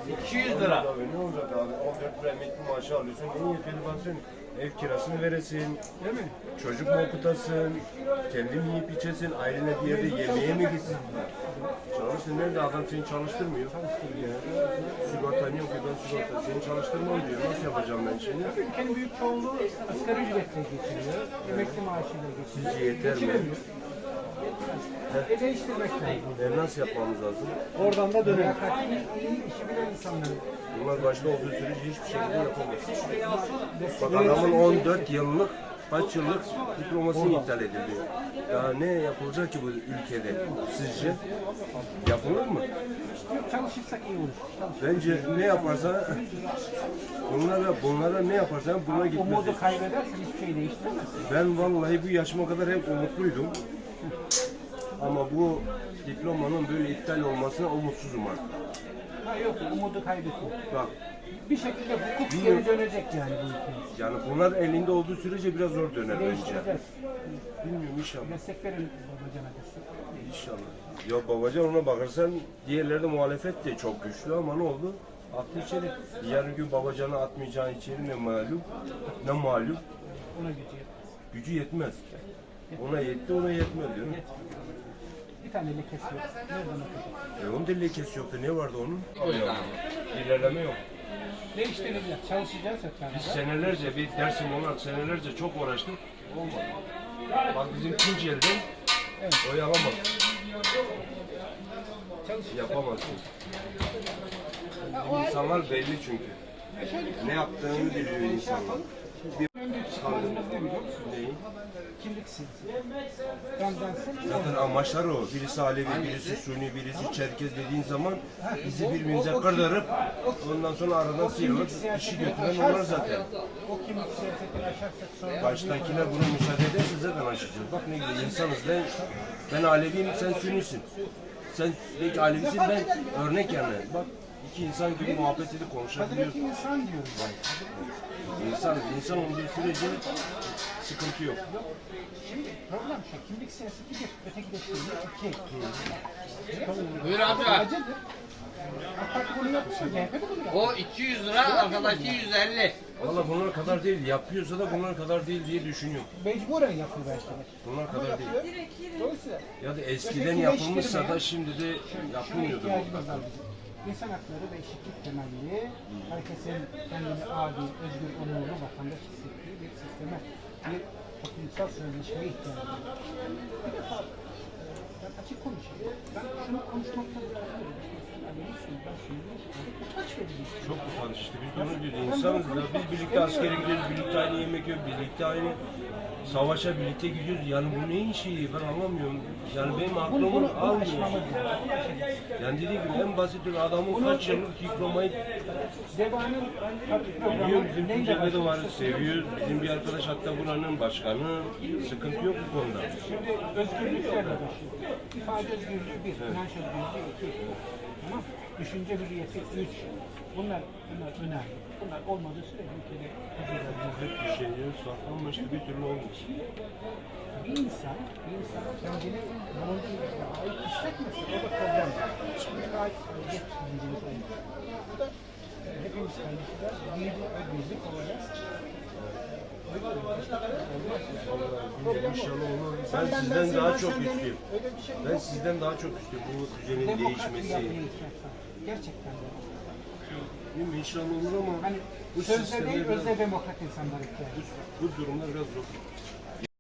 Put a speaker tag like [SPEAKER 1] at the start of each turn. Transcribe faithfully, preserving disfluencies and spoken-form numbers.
[SPEAKER 1] iki yüz lira.
[SPEAKER 2] Abi ne olacak abi? on dört lira emekli maaşı alıyorsun. En yetmeli baksın. Ev kirasını veresin. Değil mi? Çocuk mu okutasın? Kendin yiyip içesin. Ailene bir yerde yemeğe mi gitsin? Çalışsın. Nerede adam seni çalıştırmıyor? Çalıştırmıyor. Sigortan yok ki ben sigorta. Seni çalıştırmam diyor. Nasıl yapacağım ben şimdi?
[SPEAKER 3] Ülkenin büyük çoğunluğu asgari ücretle geçiriyor. Emekli maaşıyla geçiriyor.
[SPEAKER 2] Sizce yeter mi?
[SPEAKER 3] E değiştirmek lazım.
[SPEAKER 2] E nasıl yapmamız lazım?
[SPEAKER 3] Oradan da dönelim. İyi işi bilen insanların.
[SPEAKER 2] Bunlar başta olduğu sürece hiçbir şekilde yapamaz. Bak adamın on dört yıllık, kaç yıllık diplomasını iptal edildi. Daha ne yapılacak ki bu ülkede? Sizce? Yapılır mı?
[SPEAKER 3] Çalışırsak iyi olur.
[SPEAKER 2] Bence ne yaparsa bunlara, bunlara ne yaparsan buna gitmez.
[SPEAKER 3] Umudu kaybedersen hiçbir şey değiştiremezsin.
[SPEAKER 2] Ben vallahi bu yaşıma kadar hep umutluydum. Ama bu diplomanın böyle iptal olmasına umutsuzum artık.
[SPEAKER 3] Ha yok, umudu kaybetme.
[SPEAKER 2] Bak,
[SPEAKER 3] Bir şekilde hukuk geri dönecek yani bu ülkeye.
[SPEAKER 2] yani bunlar elinde olduğu sürece biraz zor döner bence.
[SPEAKER 3] Değiştireceğiz.
[SPEAKER 2] Bilmiyorum inşallah.
[SPEAKER 3] Destek verin babacana destek.
[SPEAKER 2] İnşallah. Ya babacan ona bakarsan diğerleri de muhalefet de çok güçlü ama ne oldu? Attı içeri. Yarın gün babacanı atmayacağı içeri ne malum? Ne malum?
[SPEAKER 3] Ona gücü yetmez.
[SPEAKER 2] Gücü yetmez. Ona yetti ona yetmez diyor.
[SPEAKER 3] Bir tane lekesi yok. Nereden okuyacak?
[SPEAKER 2] E onun da lekesi yoktu. Ne vardı onun? İlerleme yok.
[SPEAKER 3] Değiştireceğiz. Çalışacağız hep
[SPEAKER 2] Biz
[SPEAKER 3] beraber.
[SPEAKER 2] senelerce bir dersim olarak senelerce çok uğraştık. Olmadı. Bak bizim Tunceli'den
[SPEAKER 3] Evet.
[SPEAKER 2] oy alamaz.
[SPEAKER 3] Çalışacağız.
[SPEAKER 2] Yapamazsın. İnsanlar belli çünkü. Ne yaptığını biliyor insanlar. Bir
[SPEAKER 3] Çıkmazımız ne biliyor musun?
[SPEAKER 2] neyi?
[SPEAKER 3] Kimlik silsile. Bendensin.
[SPEAKER 2] Zaten amaçlar o. Birisi Alevi, birisi Suni, birisi Çerkez dediğin zaman bizi birbirimize kırdırıp ondan sonra aradan sıyrılıp işi götüren onlar zaten.
[SPEAKER 3] O kimlik siyasetini aşarsak sonra...
[SPEAKER 2] Baştakiler buna müsaade ederse zaten aşacağız. Bak ne güzel insanız. Ben, ben Aleviyim, sen Sünnisin. Sen belki Alevisin, ben örnek yani. Bak iki insan gibi muhabbet edip konuşabiliyoruz.
[SPEAKER 3] Hazreti insan diyoruz.
[SPEAKER 2] İnsan, insan olduğu sürece sıkıntı yok.
[SPEAKER 3] Şimdi problem şu, kimlik siyaseti bir, ötekileştirme iki.
[SPEAKER 1] Buyur abi.
[SPEAKER 3] Acıdır. AK Parti bunu yapıyor, C H P de bunu yapıyor.
[SPEAKER 1] O iki yüz lira, arkadaki yüz elli.
[SPEAKER 2] Valla bunlar kadar değil, yapıyorsa da bunlar kadar değil diye düşünüyorum.
[SPEAKER 3] Mecburen yapıyor belki de.
[SPEAKER 2] Bunlar kadar değil.
[SPEAKER 3] Dolayısıyla
[SPEAKER 2] Ya da eskiden yapılmışsa da şimdi de yapılmıyordur
[SPEAKER 3] ihtiyacımız
[SPEAKER 2] mutlaka.
[SPEAKER 3] var bizim. İnsan hakları ve eşitlik temelli, herkesin kendini adil, özgür, onurlu vatandaş hissettiği bir sisteme, bir toplumsal sözleşmeye ihtiyacı var. Bir defa e, ben açık konuşayım. Ben şunu konuşmaktan razıyım. Yani Müslüman, ben Sünni'yim. Utanç verici.
[SPEAKER 2] Çok utanç işte biz de onu diyoruz. İnsanız ya biz birlikte askere gidiyoruz, birlikte aynı yemek yiyoruz, birlikte aynı savaşa birlikte gidiyoruz. Yani bu neyin şeyi ben anlamıyorum. Yani benim
[SPEAKER 3] Bunu,
[SPEAKER 2] aklımı
[SPEAKER 3] bunu, bunu
[SPEAKER 2] almıyor.
[SPEAKER 3] aşmamız lazım. Bunu aşacağız.
[SPEAKER 2] Yani dediğim gibi en basit bir adamın kaç yıllık diplomayı
[SPEAKER 3] Zebanın
[SPEAKER 2] biliyor, bizim Tunceli'de de var, seviyor. Bizim bir arkadaş hatta buranın başkanı. Sıkıntı yok bu konuda.
[SPEAKER 3] Şimdi özgürlüklerle başlıyor. İfade özgürlüğü bir, inanç özgürlüğü iki. Tamam. Düşünce hürriyeti üç. Bunlar, bunlar önemli. Bunlar olmadığı sürece ülkede huzur
[SPEAKER 2] Hep bir şeyleri saklanmıştı bir türlü olmuş.
[SPEAKER 3] bir insan, bir insan kendini bulunduğu yere ait hissetmesi, o da problem. Şimdi ait aidiyet bilincimiz olmuş. Bu da e, hepimiz kendisinden büyüdü ve birlik olacağız.
[SPEAKER 2] İnşallah olur. Ben sizden daha çok istiyorum. Ben sizden daha çok istiyorum bu düzenin değişmesi.
[SPEAKER 3] Gerçekten de.
[SPEAKER 2] Değil mi? İnşallah olur ama
[SPEAKER 3] Hani
[SPEAKER 2] bu
[SPEAKER 3] sözde
[SPEAKER 2] sistemde
[SPEAKER 3] değil,
[SPEAKER 2] biraz,
[SPEAKER 3] özde demokrat insanlar ihtiyacı.
[SPEAKER 2] bu, bu durumda biraz zor.